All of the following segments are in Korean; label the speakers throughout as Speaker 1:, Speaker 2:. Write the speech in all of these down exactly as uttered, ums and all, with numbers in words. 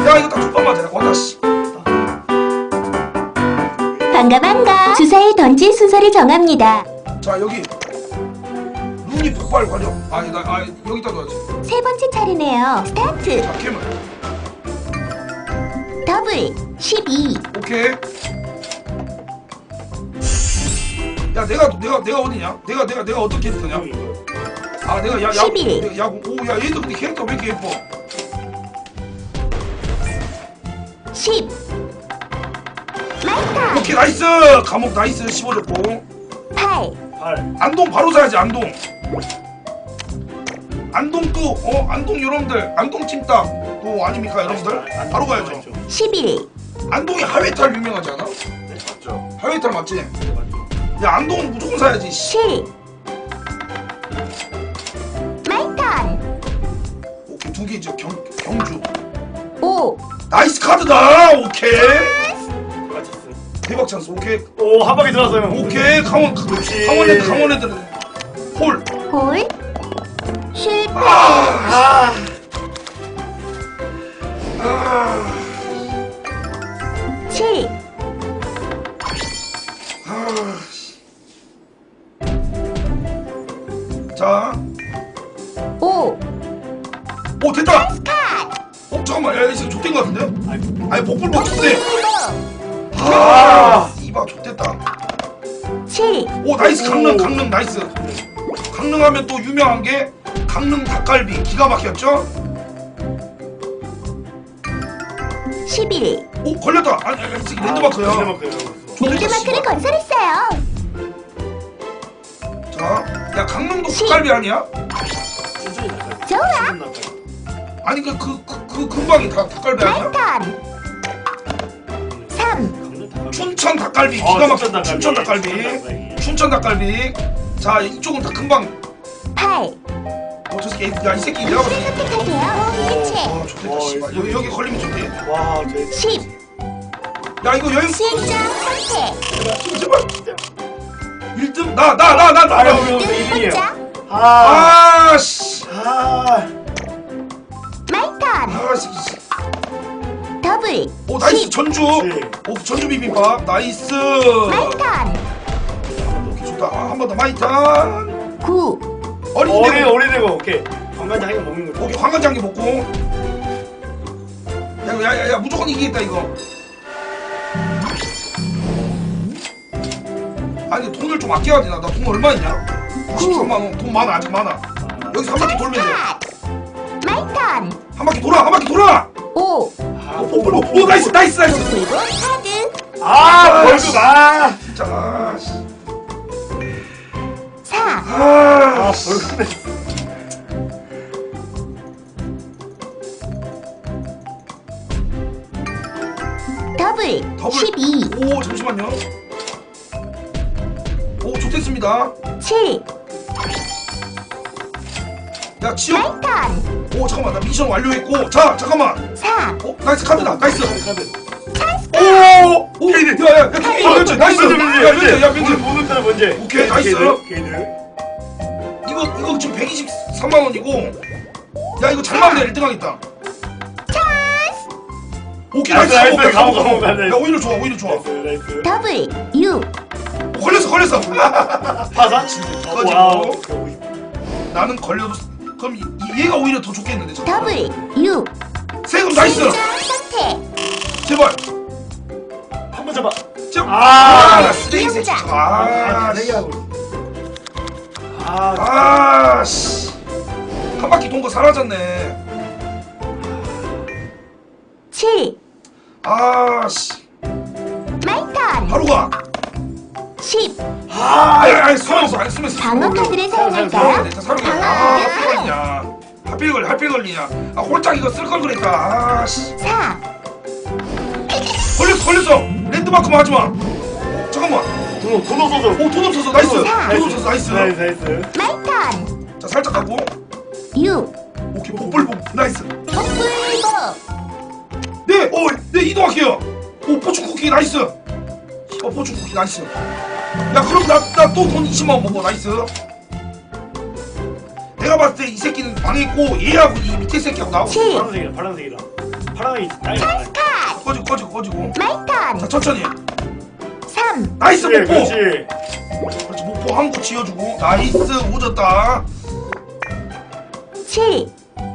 Speaker 1: 야 이거 딱 두 번 맞아. 왔다 씨.
Speaker 2: 반가 반가. 주사위 던질 순서를 정합니다.
Speaker 1: 자 여기 눈이 폭발 관여. 아니 나 아, 여기다 둬야지.
Speaker 2: 세 번째 차례네요. 스타트.
Speaker 1: 자 캠을.
Speaker 2: 더블 십이.
Speaker 1: 오케이. 야 내가 내가 내가 어디냐? 내가 내가 내가 어떤 캐릭터냐? 아 내가 야 야.
Speaker 2: 십일.
Speaker 1: 내가 야구. 오야 얘도 근데 캐릭터 왜 이렇게 예뻐?
Speaker 2: 십. 마이타.
Speaker 1: 오케이 나이스. 감옥 나이스. 씹어줬고.
Speaker 2: 팔.
Speaker 3: 팔.
Speaker 1: 안동 바로 사야지 안동. 안동 또 어 안동 여러분들 안동 찜닭 또 아닙니까 여러분들? 바로 가야죠.
Speaker 2: 십일.
Speaker 1: 안동이 하회탈 유명하지 않아?
Speaker 3: 네, 맞죠.
Speaker 1: 하회탈 맞지?
Speaker 3: 맞죠.
Speaker 1: 야 안동은 무조건 사야지.
Speaker 2: 칠. 마이턴.
Speaker 1: 오케이 두 개 이제 경 경주.
Speaker 2: 오.
Speaker 1: 나이스 카드다. 오케이.
Speaker 3: 맞췄어.
Speaker 1: 대박 찬스. 오케이.
Speaker 3: 오, 한 방에 들어왔어요.
Speaker 1: 오케이 강원
Speaker 3: 역시.
Speaker 1: 강원랜드 강원랜드 홀.
Speaker 2: 홀. 실패.
Speaker 1: 아. 아.
Speaker 2: 칠.
Speaker 1: 아. 자.
Speaker 2: 오.
Speaker 1: 오 됐다.
Speaker 2: 카.
Speaker 1: 어 잠깐만 야 이거 좆된 거 같은데? 아니 복불복 좆대.
Speaker 2: 이보.
Speaker 1: 아 이봐 좆됐다.
Speaker 2: 칠.
Speaker 1: 오 나이스
Speaker 3: 오.
Speaker 1: 강릉 강릉 나이스. 강릉 하면 또 유명한 게 강릉 닭갈비 기가 막혔죠?
Speaker 2: 십일.
Speaker 1: 오 걸렸다. 아니 아니 지금 랜드마크야.
Speaker 3: 랜드마크요.
Speaker 2: 랜드마크를 건설했어요.
Speaker 1: 자야 강릉도 닭갈비 아니야?
Speaker 3: 천천히 나가요.
Speaker 2: 좋아.
Speaker 3: 천천히 나가요.
Speaker 1: 아니 그 그 그 그 근방이 다 닭갈비 아니야?
Speaker 2: 마이턴. 삼.
Speaker 3: 강릉 닭갈비.
Speaker 1: 춘천 닭갈비
Speaker 3: 어,
Speaker 1: 기가 막혀.
Speaker 3: 춘천 닭갈비.
Speaker 1: 춘천 닭갈비.
Speaker 3: 춘천 닭갈비.
Speaker 1: 춘천 닭갈비. 자 이쪽은 다 금방.
Speaker 2: 팔.
Speaker 1: 어저 새끼 야이 새끼 내가 봤을 때.
Speaker 2: 선택하세요. 일체.
Speaker 1: 와 좋겠다 씨발 여기 여기 걸리면 좋대.
Speaker 3: 와, 제
Speaker 2: 십.
Speaker 1: 야 이거 여행
Speaker 2: 시행자 선택.
Speaker 1: 제발 일 등 나 나 나 나 나
Speaker 3: 아유,
Speaker 1: 나.
Speaker 3: 형,
Speaker 2: 일
Speaker 3: 이등이에요.
Speaker 2: 번째.
Speaker 3: 아,
Speaker 1: 아씨
Speaker 3: 아,
Speaker 2: 마이턴.
Speaker 1: 아씨
Speaker 2: 더블.
Speaker 1: 오 나이스
Speaker 2: 십.
Speaker 1: 전주
Speaker 3: 네.
Speaker 1: 오 전주 비빔밥 나이스
Speaker 2: 마이턴.
Speaker 1: 오케이 좋다 아, 한 번 더 마이탄
Speaker 2: 구.
Speaker 1: 어린이
Speaker 3: 어린이
Speaker 1: 되고
Speaker 3: 어린이고 오케이. 관광지 한개 먹는 거죠.
Speaker 1: 오케이 황간장게 먹고 야야야야 무조건 이기겠다 이거 아니 돈을 좀 아껴야 되나 나 돈 얼마 있냐 구십삼만 원 돈 많아 아직 많아 여기서 한 바퀴 돌면 돼
Speaker 2: 마이턴.
Speaker 1: 한 바퀴 돌아 한 바퀴 돌아
Speaker 2: 오.
Speaker 3: 아,
Speaker 1: 오, 오, 오, 오 나이스 나이스 나이스
Speaker 2: 그리고 카드.
Speaker 3: 아, 벌금 아,
Speaker 1: 진짜 아, 씨.
Speaker 2: 사.
Speaker 1: 아,
Speaker 3: 아,
Speaker 1: 씨.
Speaker 3: 벌금 냈어.
Speaker 2: 더블.
Speaker 1: 더블.
Speaker 2: 십이.
Speaker 1: 오 잠시만요 오 좋겠습니다
Speaker 2: 칠.
Speaker 1: 야 지역
Speaker 2: 마이턴.
Speaker 1: 오 잠깐만 나 미션 완료했고 자 잠깐만
Speaker 2: 사.
Speaker 1: 어 나이스 카드다 나이스
Speaker 3: 카드.
Speaker 1: 오오 야야야 나이스 나이스
Speaker 3: 먼저,
Speaker 1: 야 민재 야 민재
Speaker 3: 보는 카드 먼저.
Speaker 1: 오케이, 나이스.
Speaker 3: 게이드.
Speaker 1: 이거 이거 지금 백이십삼만 원이고 야 이거 잘 나오네 일 등 하겠다 오케이 나이스
Speaker 3: 나이스,
Speaker 1: 오케이,
Speaker 3: 가고,
Speaker 1: 가고,
Speaker 3: 가고,
Speaker 1: 가고.
Speaker 3: 가고.
Speaker 1: 야 오히려 좋아 오히려 좋아
Speaker 3: 나이스, 나이스.
Speaker 2: 더블. 육.
Speaker 1: 오, 걸렸어 걸렸어
Speaker 3: 파산?
Speaker 1: 꺼지고.
Speaker 3: 와우.
Speaker 1: 나는 걸려도 그럼 이, 이- 얘가 오히려 더 좋겠는데 잠깐만.
Speaker 2: 더블. 육.
Speaker 1: 세금 나이스
Speaker 2: 시행자 선택.
Speaker 1: 제발
Speaker 3: 한번 잡아.
Speaker 1: 제발
Speaker 3: 아,
Speaker 1: 나 쓰레기 새끼
Speaker 2: 이용자.
Speaker 1: 아,
Speaker 3: 네
Speaker 1: 씨.
Speaker 3: 하고. 아,
Speaker 1: 아씨 한 바퀴 돈 거 사라졌네
Speaker 2: 칠.
Speaker 1: 아씨
Speaker 2: 마이턴.
Speaker 1: 바로 가
Speaker 2: 십.
Speaker 3: 아,
Speaker 1: 아니 아니 수면서 아니 수면서
Speaker 2: 방어 카드를
Speaker 1: 사용해야
Speaker 2: 사용할까요?
Speaker 1: 돼 사용해 아
Speaker 2: 방어
Speaker 1: 하필
Speaker 2: 카드.
Speaker 1: 걸리냐 하필 걸리 하필 걸리냐 아 홀짝 이거 쓸 걸 그랬다 아씨
Speaker 2: 사.
Speaker 1: 걸렸어 걸렸어 랜드마크만 하지마 잠깐만
Speaker 3: 돈, 돈 없어서.
Speaker 1: 오돈 없어서 나이스
Speaker 2: 사.
Speaker 1: 돈 없어서 나이스
Speaker 3: 나이스, 나이스.
Speaker 2: 마이턴.
Speaker 1: 자 살짝 가고
Speaker 2: 육.
Speaker 1: 오케이 복불복 나이스
Speaker 2: 복불복.
Speaker 1: 네! 오! 네 이동할게요 오 포춘 쿠키 나이스 어 포춘 쿠키 나이스 야 그럼 나 나 또 돈 이십만 원 먹어 나이스 내가 봤을 때 이 새끼는 망했고 얘하고 이 밑에 새끼하고 나하고
Speaker 2: 칠.
Speaker 3: 파란색이다, 파란색이다. 파랑이 땅이 많아.
Speaker 2: 컷.
Speaker 1: 꺼지고 꺼지고 꺼지고.
Speaker 2: 마이 턴.
Speaker 1: 자 천천히.
Speaker 2: 삼.
Speaker 1: 나이스
Speaker 3: 그렇지,
Speaker 1: 목포.
Speaker 3: 그렇지.
Speaker 1: 그렇지 목포 한 구 지어주고. 나이스 오졌다.
Speaker 2: 칠.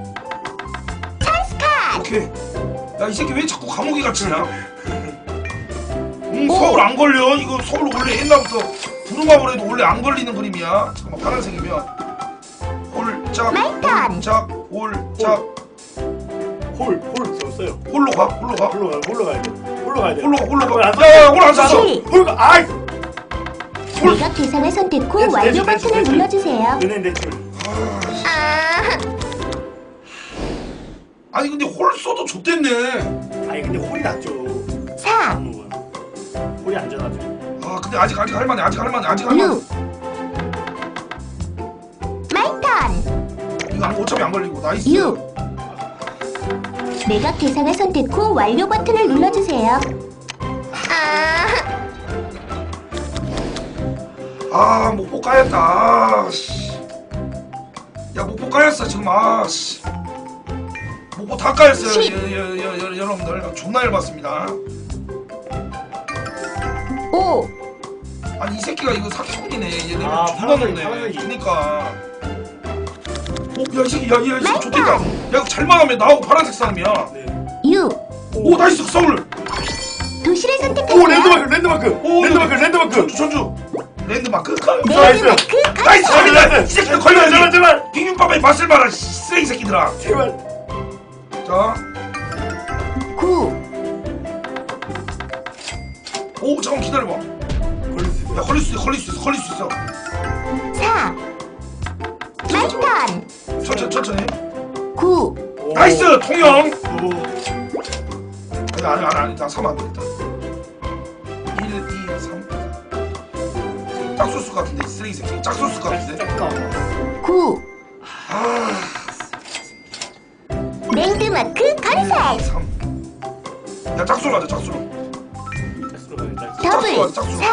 Speaker 2: 찬스 컷.
Speaker 1: 오케이. 야 이 새끼 왜 자꾸 감옥에 갇히냐? 음 서울 안 걸려. 이거 서울 원래 옛날부터 부루마블 해도 원래 안 걸리는 그림이야. 잠깐만 파란색이면 홀짝 홀짝 홀짝
Speaker 3: 홀, 홀 썼어요.
Speaker 1: 홀로 가 홀로 가
Speaker 3: 홀로 가, 홀로 가야 돼. 홀로 가야 돼.
Speaker 1: 홀로 가 홀로
Speaker 3: 홀 안
Speaker 1: 가. 야야 홀 안 썼어.
Speaker 2: 칠.
Speaker 3: 홀 가. 아이.
Speaker 2: 매각 대상을 선택 후
Speaker 3: 됐어,
Speaker 2: 완료
Speaker 3: 됐어, 됐어,
Speaker 2: 버튼을
Speaker 3: 됐어.
Speaker 2: 눌러주세요.
Speaker 3: 은행 대출.
Speaker 2: 아.
Speaker 1: 아니 근데 홀 써도 좋댔네.
Speaker 3: 아니 근데 홀이 낫죠.
Speaker 2: 사.
Speaker 3: 홀이 안전하죠.
Speaker 1: 아 근데 아직 아직 할만해 아직 할만해 아직 할만해.
Speaker 2: 육. 마이 턴.
Speaker 1: 이거 안- 어차피 안 걸리고 나이스.
Speaker 2: 육. 매각 대상을 선택 후 완료 버튼을 눌러주세요. 아.
Speaker 1: 아 목포 까였다. 아씨. 야 목포 까였어 지금 아씨. 목포 다 까였어요.
Speaker 2: 십.
Speaker 1: 여, 여, 여, 여, 여러분들 존나 얇았습니다.
Speaker 2: 오.
Speaker 1: 아니 이 새끼가 이거 사기꾼이네. 얘네
Speaker 3: 아,
Speaker 1: 존나
Speaker 3: 파란색,
Speaker 1: 높네.
Speaker 3: 파란색이.
Speaker 1: 그니까. 오, 야이 새끼 야이 새끼 좋겠다. 야 이거 잘만 하면 나하고 파란색 싸움이야.
Speaker 3: 네.
Speaker 2: 육.
Speaker 1: 오 나이스 서울.
Speaker 2: 도시를
Speaker 3: 오
Speaker 2: 선택하세요.
Speaker 3: 랜드마크, 랜드마크.
Speaker 1: 오
Speaker 3: 랜드마크, 랜드마크.
Speaker 1: 전주 전주. 랜드마크.
Speaker 3: 나이스.
Speaker 2: 랜드마크
Speaker 1: 나이스
Speaker 2: 컷.
Speaker 1: 걸린다. 이 새끼도
Speaker 3: 제발, 제발,
Speaker 1: 걸려야지.
Speaker 3: 제발.
Speaker 1: 비빔밥에 맛을 봐라 쓰레기 새끼들아.
Speaker 3: 제발.
Speaker 1: 자.
Speaker 2: 구.
Speaker 1: 오 잠깐 기다려봐.
Speaker 3: 걸릴 수 있어.
Speaker 1: 야 걸릴 수 있어 걸릴 수 있어 걸릴 수 있어.
Speaker 2: 사. 마이 턴.
Speaker 1: 천천히 천천히.
Speaker 2: 구.
Speaker 3: 오.
Speaker 1: 나이스 통영.
Speaker 3: 오.
Speaker 1: 아니 아니 아니 아니 나 삼 안 되겠다. 일, 이, 삼. 짝소스 같은데 이 쓰레기 새끼. 짝소스 같은데.
Speaker 3: 짝 나와.
Speaker 2: 구.
Speaker 1: 아.
Speaker 2: 랜드마크
Speaker 1: 일, 이,
Speaker 2: 건설.
Speaker 1: 삼. 야 짝소로 하자 짝소로.
Speaker 3: 짝수로 가야 돼.
Speaker 2: 더블.
Speaker 1: 짝수, 짝수.
Speaker 2: 사.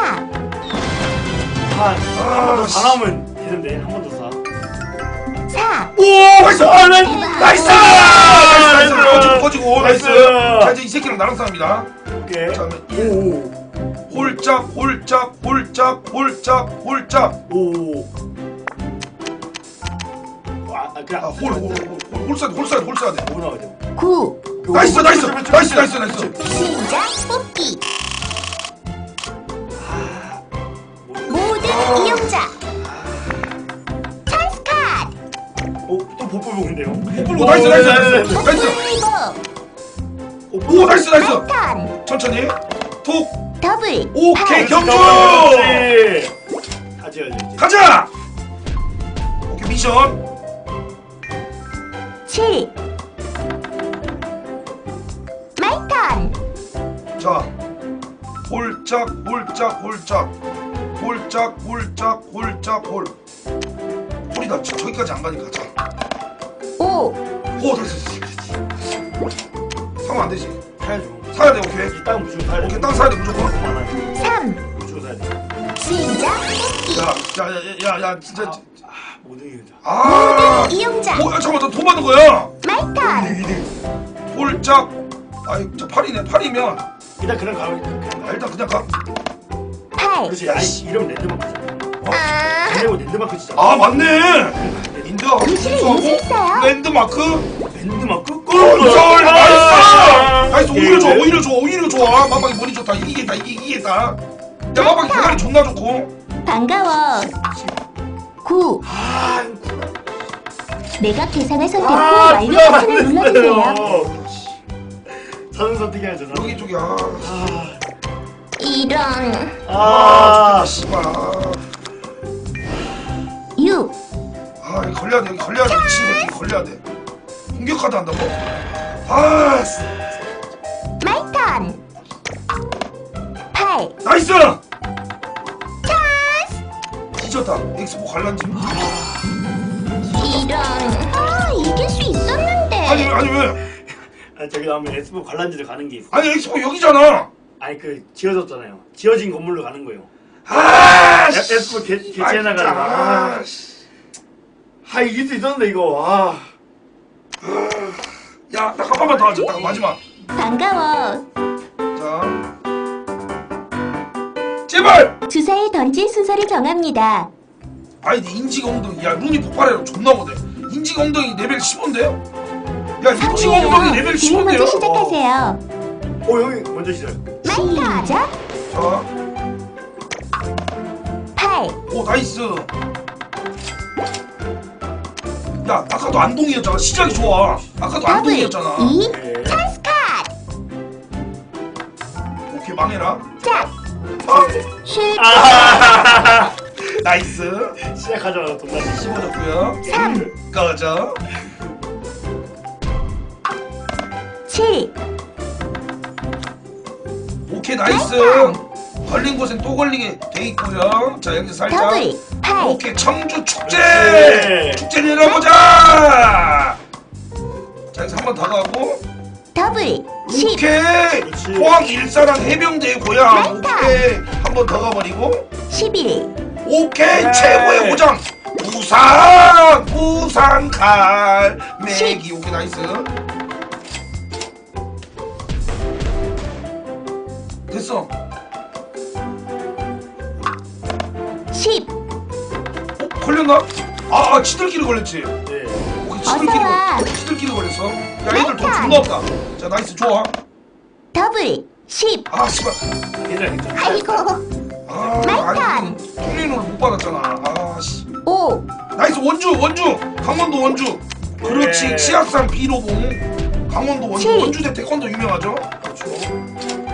Speaker 3: 한번더
Speaker 1: 씨.
Speaker 3: 다 나오면 되는데 한 번 더 사.
Speaker 2: 사.
Speaker 1: 오 나이스.
Speaker 3: 아, 나이스.
Speaker 1: 나이스.
Speaker 3: 나이스.
Speaker 1: 나이스. 꺼지고 꺼지고 나이스.
Speaker 3: 나이스.
Speaker 1: 자 이제 이 새끼랑 나랑 싸움이다.
Speaker 3: 오케이.
Speaker 1: 자 그러면 일.
Speaker 3: 오.
Speaker 1: 홀짝 홀짝 홀짝 홀짝 홀짝.
Speaker 3: 오. 아, 아, 그냥
Speaker 1: 아홀홀홀홀 쏴야 돼, 홀 쏴야 돼, 홀 쏴야 돼.
Speaker 3: 뭐 나와야 돼?
Speaker 2: 구.
Speaker 1: 나이스, 나이스, 나이스, 나이스, 나이스.
Speaker 2: 시작 뽑기. 모든
Speaker 1: 아.
Speaker 2: 이용자. 찬스 컷.
Speaker 3: 어, 또 복불 복인데요?
Speaker 1: 오, 나이스, 나이스, 나이스, 나이스.
Speaker 2: 복불복.
Speaker 1: 오, 나이스, 나이스.
Speaker 2: 턴.
Speaker 1: 천천히. 톡.
Speaker 2: 더블.
Speaker 1: 오케이,
Speaker 2: 팔.
Speaker 1: 경주.
Speaker 3: 다 지어야지. 이제.
Speaker 1: 가자. 오케이, 미션.
Speaker 2: 칠. 마이 턴.
Speaker 1: 자, 홀짝, 홀짝, 홀짝, 홀짝, 홀짝, 홀짝, 홀. 홀이다. 저- 저기까지 안 가니까 자.
Speaker 2: 오.
Speaker 1: 오, 됐어. 사면 안 되지.
Speaker 3: 사야죠.
Speaker 1: 사야 돼, 오케이.
Speaker 3: 이 땅 무조건 사야 돼.
Speaker 1: 오케이, 땅 사야 돼 무조건.
Speaker 3: 많아요.
Speaker 2: 삼.
Speaker 3: 무조건 사야 돼.
Speaker 2: 시작 뽑기.
Speaker 1: 야, 야, 야, 야, 야, 진짜.
Speaker 3: 아, 모든 이유자.
Speaker 1: 아.
Speaker 2: 모든 이용자.
Speaker 1: 오, 야, 잠깐만, 나돈 받는 거야.
Speaker 2: 마이 턴.
Speaker 1: 홀짝. 아이, 저 팔이네. 팔이면
Speaker 3: 일단 그냥 가면 그냥
Speaker 1: 아,
Speaker 3: 가.
Speaker 1: 일단 그냥 가.
Speaker 2: 팔.
Speaker 3: 그렇지. 아이 이름 랜드마크잖아.
Speaker 2: 아.
Speaker 3: 이름은 랜드마크 진짜.
Speaker 1: 아, 맞네. 인드하고
Speaker 2: 도시를
Speaker 1: 순수하고
Speaker 2: 인수했어요.
Speaker 1: 랜드마크.
Speaker 3: 랜드마크
Speaker 1: 꿀. 나이스. 나이스.
Speaker 3: 예,
Speaker 1: 오히려 좋아.
Speaker 3: 예.
Speaker 1: 오히려 좋아. 오히려 좋아. 마방이 머리 좋다. 이기겠다. 이기 이기겠다. 야, 마방이 대가리 존나 좋고.
Speaker 2: 반가워. 구.
Speaker 3: 아,
Speaker 2: 매각 대상을 선택 후
Speaker 3: 아,
Speaker 2: 완료
Speaker 3: 구가
Speaker 2: 버튼을
Speaker 3: 안
Speaker 2: 눌러주세요.
Speaker 3: 됐어요. 저는 선택해야죠. 저는.
Speaker 1: 여기 쪽이야.
Speaker 3: 아,
Speaker 2: 이런.
Speaker 1: 아,
Speaker 3: 아,
Speaker 1: 씨발.
Speaker 2: 육.
Speaker 1: 아, 여기 걸려야 돼. 여기 걸려야 돼. 미친 새끼 걸려야 돼. 공격하다 한다고? 아, 씨.
Speaker 2: 마이 턴. 팔.
Speaker 1: 나이스.
Speaker 2: 찬스.
Speaker 1: 뒤졌다. 엑스포 관람지.
Speaker 2: 이런. 아, 이길 수 있었는데.
Speaker 1: 아니 아니 왜?
Speaker 3: 아, 저기 나오면 에스포 관람지를 가는 게 있어.
Speaker 1: 아니 엑스포 여기잖아.
Speaker 3: 아니 그 지어졌잖아요. 지어진 건물로 가는 거예요.
Speaker 1: 아,
Speaker 3: 에- 에스포 개- 개최해 나가는 거. 아,
Speaker 1: 씨.
Speaker 3: 아 이길 수 있었는데 이거. 아.
Speaker 1: 야, 딱 한 번만 더 하자. 딱 마지막.
Speaker 2: 반가워.
Speaker 1: 자, 제발.
Speaker 2: 주사위 던질 순서를 정합니다.
Speaker 1: 아니, 네 인지가 엉덩이. 야, 룬이 폭발해라. 존나 못해. 인지가 엉덩이 레벨 십오인데요? 야, 인지가 엉덩이 레벨
Speaker 2: 주인
Speaker 1: 십오인데요?
Speaker 2: 먼저 시작하세요.
Speaker 3: 어 형이 먼저 시작.
Speaker 2: 시작.
Speaker 1: 자,
Speaker 2: 팔,
Speaker 1: 오, 나이스. 야, 아까도 안동이었잖아. 시작이 좋아. 아까도
Speaker 2: 더블,
Speaker 1: 안동이었잖아.
Speaker 2: 이,
Speaker 3: 네.
Speaker 2: 찬스 카드.
Speaker 1: 오케이, 망해라.
Speaker 2: 짝,
Speaker 1: 아,
Speaker 2: 슛,
Speaker 3: 아
Speaker 1: 나이스.
Speaker 3: 시작하자마자 돈 나지.
Speaker 1: 씹어줬고요.
Speaker 2: 삼,
Speaker 1: 꺼져.
Speaker 2: 칠,
Speaker 1: 오케이, 나이스. 걸린 곳엔 또 걸리게 돼 있고요. 자, 여기 살짝.
Speaker 2: 더블, 팔,
Speaker 1: 오케이, 청주 축제.
Speaker 3: 네.
Speaker 1: 축제 내려보자. 자, 여기서 한 번 더 가고.
Speaker 2: 더블, 십,
Speaker 1: 오케이.
Speaker 3: 그렇지.
Speaker 1: 포항 일사랑 해병대 고향.
Speaker 2: 맞다.
Speaker 1: 오케이. 한 번 더 가버리고.
Speaker 2: 십일,
Speaker 1: 오케이.
Speaker 3: 네.
Speaker 1: 최고의 고장. 부산. 부산 칼. 매기. 오케이, 나이스. 됐어.
Speaker 2: 십.
Speaker 1: 어? 걸렸나? 아, 아 치들끼리 걸렸지.
Speaker 3: 네.
Speaker 1: 오케이, 치들끼리,
Speaker 2: 어서 와.
Speaker 1: 걸- 치들끼리 걸렸어. 야, 얘들 돈 존나 없다. 자, 나이스, 좋아.
Speaker 2: 더블, 십.
Speaker 1: 아, 씨발.
Speaker 3: 괜찮아 괜찮아.
Speaker 2: 아이고.
Speaker 1: 아, 아니, 통일로를 못 받았잖아. 아, 씨.
Speaker 2: 오,
Speaker 1: 나이스, 원주, 원주. 강원도 원주. 그렇지,
Speaker 3: 네.
Speaker 1: 치악산 비로봉. 강원도 원주.
Speaker 2: 칠.
Speaker 1: 원주 대 태권도 유명하죠?
Speaker 3: 그렇죠.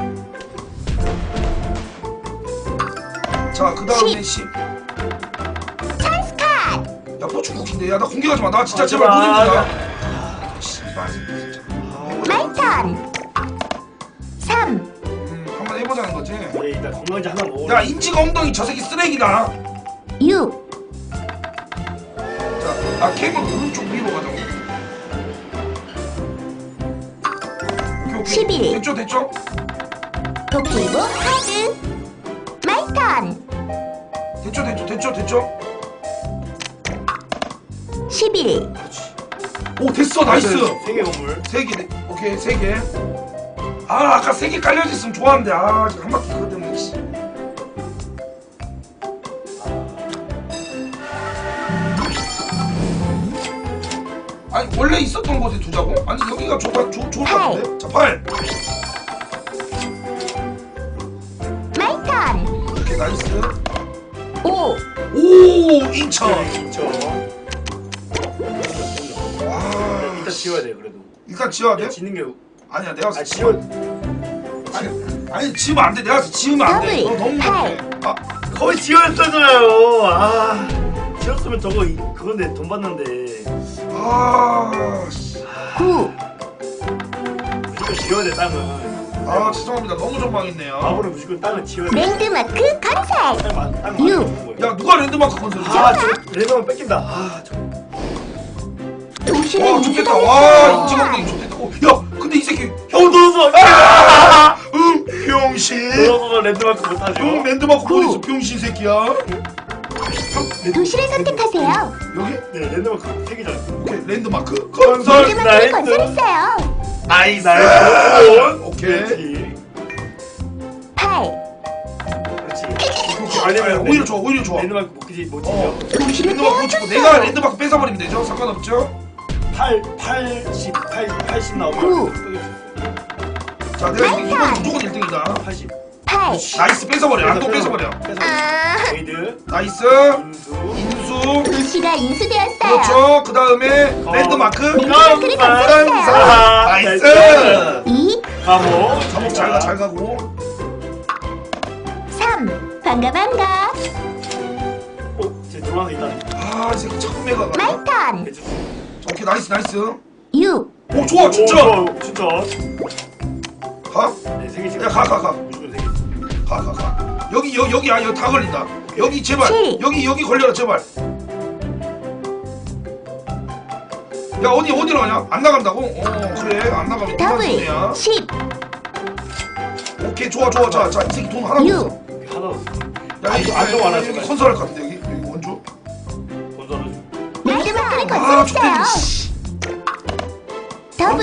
Speaker 1: 자, 그 다음에
Speaker 2: 십.
Speaker 1: 십.
Speaker 2: 찬스 카드.
Speaker 1: 야, 포춘쿠키인데. 야, 나 공개하지 마. 나 진짜
Speaker 3: 아,
Speaker 1: 제발
Speaker 3: 제발.
Speaker 1: 못 이기자. 아, 씨발, 진짜.
Speaker 2: 마이 턴. 삼,
Speaker 1: 음, 한번 해보자는 거지.
Speaker 3: 네, 일단 건강제 하나 먹어.
Speaker 1: 야, 인지가 엉덩이 저 새끼 쓰레기다.
Speaker 2: 육,
Speaker 1: 자, 아, 케이블 오른쪽 위로 가자고. 오케이, 오케이.
Speaker 2: 십일.
Speaker 1: 됐죠, 됐죠?
Speaker 2: 도끼고 카드. 마이 턴.
Speaker 1: 됐죠, 됐죠, 됐죠, 됐죠?
Speaker 2: 십일,
Speaker 1: 오, 됐어, 나이스.
Speaker 3: 세계 건물.
Speaker 1: 세 개, 오케이, 세 개. 아, 아까 세 개 깔려져 있으면 좋았는데, 아, 지금 한 바퀴 그것 때문에. 씨. 아니, 원래 있었던 곳에 두자고? 아니, 여기가 좋, 좋, 좋을 것 같은데? 자, 팔.
Speaker 2: 마이 턴.
Speaker 1: 오케이, 나이스.
Speaker 2: 오,
Speaker 1: 오, 인천.
Speaker 3: 네, 있죠.
Speaker 1: 아,
Speaker 3: 이따 지워야 돼 그래도.
Speaker 1: 일단 지워야 돼?
Speaker 3: 짓는 게.
Speaker 1: 아니야, 내가
Speaker 3: 아 지워.
Speaker 1: 아니, 아니, 지우면 안 돼. 내가 지우면 안 돼. 너
Speaker 2: 더블,
Speaker 1: 너무
Speaker 2: 팔.
Speaker 1: 못해. 아,
Speaker 3: 거의 지웠잖아요. 아 지웠으면 저거 이- 그건데 돈 받는데.
Speaker 1: 아, 씨.
Speaker 2: 구,
Speaker 3: 무조건 지워야 돼 땅은.
Speaker 1: 아, 죄송합니다. 너무 전망했네요.
Speaker 3: 마블은 무조건 땅을 지워야 돼.
Speaker 2: 랜드마크 건설.
Speaker 3: 땅 많- 땅
Speaker 2: 유.
Speaker 3: 많이 주는 거예요.
Speaker 1: 야, 누가 랜드마크 건설을 해?
Speaker 3: 아, 저 레더만 뺏긴다. 아, 저
Speaker 2: 도시를
Speaker 1: 와, 좋겠다. 와,
Speaker 2: 인수하였어요.
Speaker 1: 인지감독이 좋겠다. 어, 야, 근데 이 새끼
Speaker 3: 형 넣어서.
Speaker 1: 아! 응, 병신.
Speaker 3: 넣어서 랜드마크 못하죠.
Speaker 1: 응, 랜드마크
Speaker 2: 구.
Speaker 1: 어디서 병신 새끼야?
Speaker 2: 도시를 선택하세요.
Speaker 1: 여기?
Speaker 3: 네, 랜드마크 세 개잖아.
Speaker 1: 오케이, 랜드마크 건설.
Speaker 3: 나이스.
Speaker 2: 랜드마크를 건설했어요.
Speaker 1: 나이스.
Speaker 3: 나이스.
Speaker 1: 오케이.
Speaker 3: 그렇지.
Speaker 2: 팔,
Speaker 3: 그렇지.
Speaker 1: 오케이, 아니면 오히려 좋아, 오히려 좋아.
Speaker 3: 랜드마크 못 지지 못
Speaker 1: 어.
Speaker 3: 지죠.
Speaker 2: 도시를
Speaker 1: 랜드마크 못 치고 내가
Speaker 2: 빼앗겼어요.
Speaker 1: 랜드마크 뺏어버리면 되죠? 상관없죠?
Speaker 3: 팔, 팔십, 팔, 팔십 나오면
Speaker 2: 구.
Speaker 1: 자, 내가 이거 이건 무조건 일 등이다.
Speaker 3: 팔십.
Speaker 2: 팔.
Speaker 1: 나이스, 뺏어버려. 안동 뺏어버려.
Speaker 2: 아,
Speaker 3: 레이드,
Speaker 1: 나이스.
Speaker 3: 인수,
Speaker 1: 인수.
Speaker 2: 도시가 인수되었어요.
Speaker 1: 그렇죠. 그 다음에
Speaker 3: 어.
Speaker 1: 랜드마크.
Speaker 2: 랜드마크를 건설했어요.
Speaker 1: 나이스.
Speaker 2: 이,
Speaker 3: 감옥,
Speaker 1: 감옥 잘 가, 잘 가고.
Speaker 2: 삼. 반가 반가.
Speaker 3: 어, 제 노란색 있다.
Speaker 1: 아, 이 새끼 자꾸 매가 가.
Speaker 2: 마이 턴.
Speaker 3: 해주세요.
Speaker 1: 오케이, 나이스, 나이스.
Speaker 2: 육,
Speaker 1: 오, 좋아, 진짜.
Speaker 3: 오, 좋아, 진짜.
Speaker 1: 가?
Speaker 3: 네, 세 개씩.
Speaker 1: 야, 가, 가, 가.
Speaker 3: 무조건 세 개.
Speaker 1: 가, 가, 가. 여기, 여, 여기, 아, 여기 다 걸린다. 여기, 제발.
Speaker 2: 칠.
Speaker 1: 여기, 여기 걸려라, 제발. 야, 어디, 어디로 가냐? 안 나간다고? 어, 그래. 안 나가면 이만 손해야.
Speaker 2: 더블. 십,
Speaker 1: 오케이, 좋아, 좋아. 자, 자, 이 새끼 돈 하나
Speaker 2: 육.
Speaker 1: 없어.
Speaker 3: 하나
Speaker 1: 야, 여기,
Speaker 3: 안 좋아, 안
Speaker 1: 여기,
Speaker 3: 좋아.
Speaker 1: 여기 건설할 것 같은데, 여기. 여기 원주.
Speaker 3: 건설해줘.
Speaker 2: 랜드마크를
Speaker 1: 아, 좋대.
Speaker 2: 건설했어요.
Speaker 1: 씨.
Speaker 2: 더블.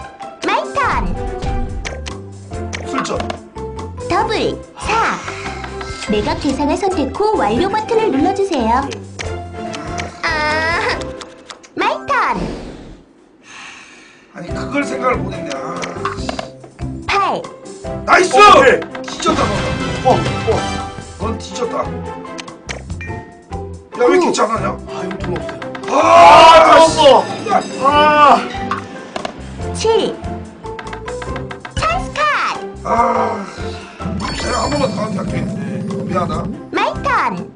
Speaker 2: 마이 턴.
Speaker 1: 슬쩍.
Speaker 2: 더블 사. 매각 대상을 선택 후 완료 버튼을 눌러주세요. 아, 마이 턴.
Speaker 1: 아니 그걸 생각을 못했네. 아.
Speaker 2: 팔.
Speaker 1: 나이스!
Speaker 3: 어, 오케이.
Speaker 1: 뒤졌다 너.
Speaker 3: 어, 어.
Speaker 1: 넌 뒤졌다. 야 왜 이렇게 잘하냐?
Speaker 3: 아, 이거 돈 없어요.
Speaker 1: 아,
Speaker 3: 아,
Speaker 1: 씨.
Speaker 3: 아, 아.
Speaker 2: 칠. 찬스 카드.
Speaker 1: 아, 내가 한 번만 더 하게 할게. 미안하다.
Speaker 2: 마이 턴.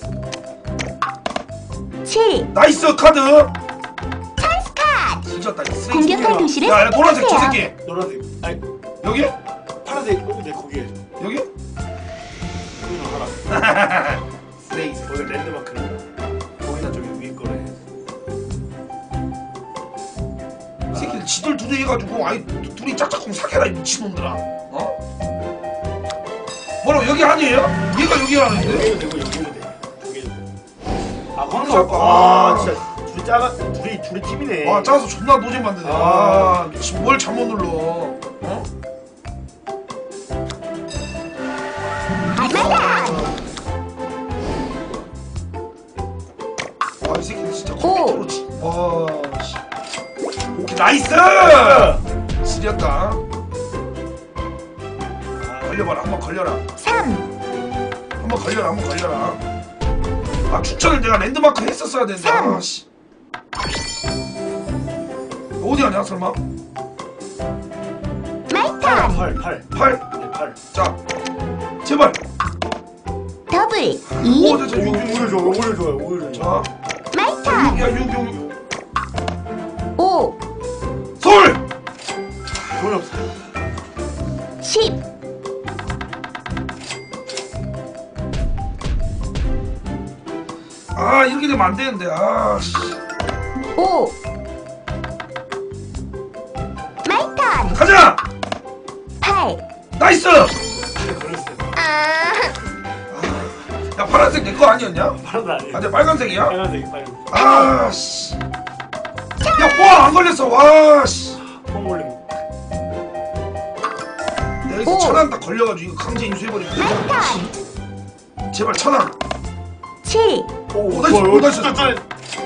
Speaker 2: 칠.
Speaker 1: 나이스 카드.
Speaker 2: 찬스 카드.
Speaker 1: 뒤졌다. 이 쓰레기
Speaker 2: 공격할
Speaker 1: 새끼야.
Speaker 2: 도시를
Speaker 1: 야, 야, 노란색 저
Speaker 2: 선택하세요.
Speaker 1: 새끼.
Speaker 3: 노란색. 아니,
Speaker 1: 여기?
Speaker 3: 파란색. 여기 내 거기에.
Speaker 1: 여기?
Speaker 3: 여기로 가라.
Speaker 1: 쓰레기.
Speaker 3: 거기 랜드마크를. 거기다 저기 위에 거래.
Speaker 1: 이 새끼들 지들 둘이 해가지고 아이 둘이 짝짝꿍 사겨라 이 미친놈들아. 어? 뭐라고 여기 아니에요? 얘가 여기라는데?
Speaker 3: 여기도 되고 여기도 돼. 여기도 돼. 아, 황금.
Speaker 1: 잠깐.
Speaker 3: 아, 진짜 둘이 작아. 둘이 둘이 팀이네.
Speaker 1: 와 짜서 존나 노잼 만드네.
Speaker 3: 아.
Speaker 1: 아 미친 뭘 잘못 눌러. 어?
Speaker 2: 마이 턴.
Speaker 1: 와이 새끼들 진짜
Speaker 2: 오.
Speaker 1: 컴퓨터로 치. 와 씨. 오케이 나이스. 지렸다. 걸려봐라 한번 걸려라.
Speaker 2: 삼.
Speaker 1: 한번 걸려라 한번 걸려라. 아 추천을 내가 랜드마크 했었어야 된다.
Speaker 2: 삼.
Speaker 1: 아, 씨. 어디 가냐 설마?
Speaker 2: 마이 턴.
Speaker 3: 팔, 팔.
Speaker 1: 팔.
Speaker 3: 네, 팔.
Speaker 1: 자 제발.
Speaker 2: 더블
Speaker 1: 오
Speaker 2: 이.
Speaker 1: 됐어
Speaker 3: 오,
Speaker 1: 육 육
Speaker 3: 오히려
Speaker 1: 육.
Speaker 3: 좋아, 오히려 좋아요, 오히려 좋아.
Speaker 1: 자
Speaker 2: 마이 턴.
Speaker 1: 야 육 육 육.
Speaker 2: 오.
Speaker 1: 서울.
Speaker 3: 돈이 없어.
Speaker 2: 십.
Speaker 1: 아 이렇게 되면 안 되는데. 아 씨.
Speaker 2: 오. 마이 턴.
Speaker 1: 가자.
Speaker 2: 팔.
Speaker 1: 나이스.
Speaker 3: 걸렸어요.
Speaker 2: 아,
Speaker 1: 야 파란색 내 거 아니었냐?
Speaker 3: 파란색 아니에요.
Speaker 1: 아, 내 빨간색이야?
Speaker 3: 빨간색, 빨간색.
Speaker 1: 아, 씨. 야, 와, 안 걸렸어. 와, 씨.
Speaker 3: phong 걸림.
Speaker 1: 내가 여기서
Speaker 2: 오.
Speaker 1: 천안 딱 걸려가지고 이거 강제 인수해버리면
Speaker 2: 마이
Speaker 1: 돼.
Speaker 2: 턴.
Speaker 1: 제발 천안.
Speaker 2: 칠.
Speaker 3: 오,
Speaker 1: 오, 나이스, 오, 나이스.
Speaker 3: 진짜 잘.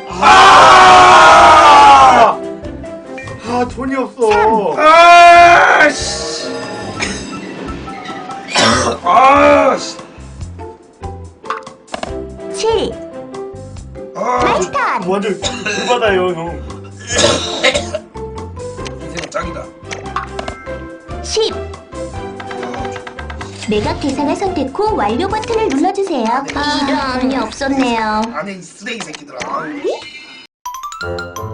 Speaker 1: 아!
Speaker 3: 아, 돈이 없어.
Speaker 1: 아, 씨. 아,
Speaker 3: 완전 불받아요 형.
Speaker 1: 인생은 짱이다.
Speaker 2: 십. 매각 대상을 선택 후 완료 버튼을 눌러주세요. 이런, 없었네요.
Speaker 1: 안에 이 쓰레기 새끼들아. 아유.